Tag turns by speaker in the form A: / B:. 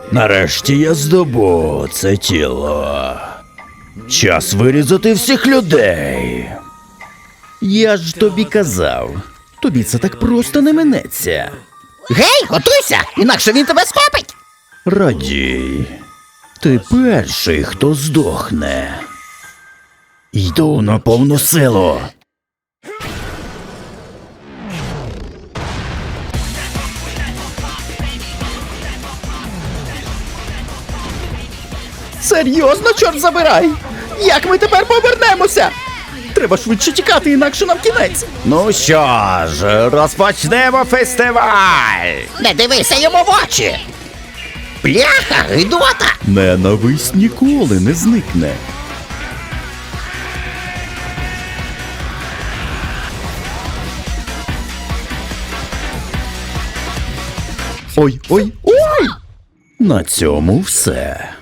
A: Нарешті я здобув це тіло. Час вирізати всіх людей. Я ж тобі казав, тобі це так просто не минеться.
B: Гей, готуйся, інакше він тебе схопить.
A: Радій, ти перший, хто здохне. Йду на повну силу.
B: Серйозно, чорт забирай! Як ми тепер повернемося? Треба швидше тікати, інакше нам кінець.
A: Ну що ж, розпочнемо фестиваль.
B: Не дивися йому в очі. Бляха, гидота!
A: Ненависть ніколи не зникне. Ой! На цьому все.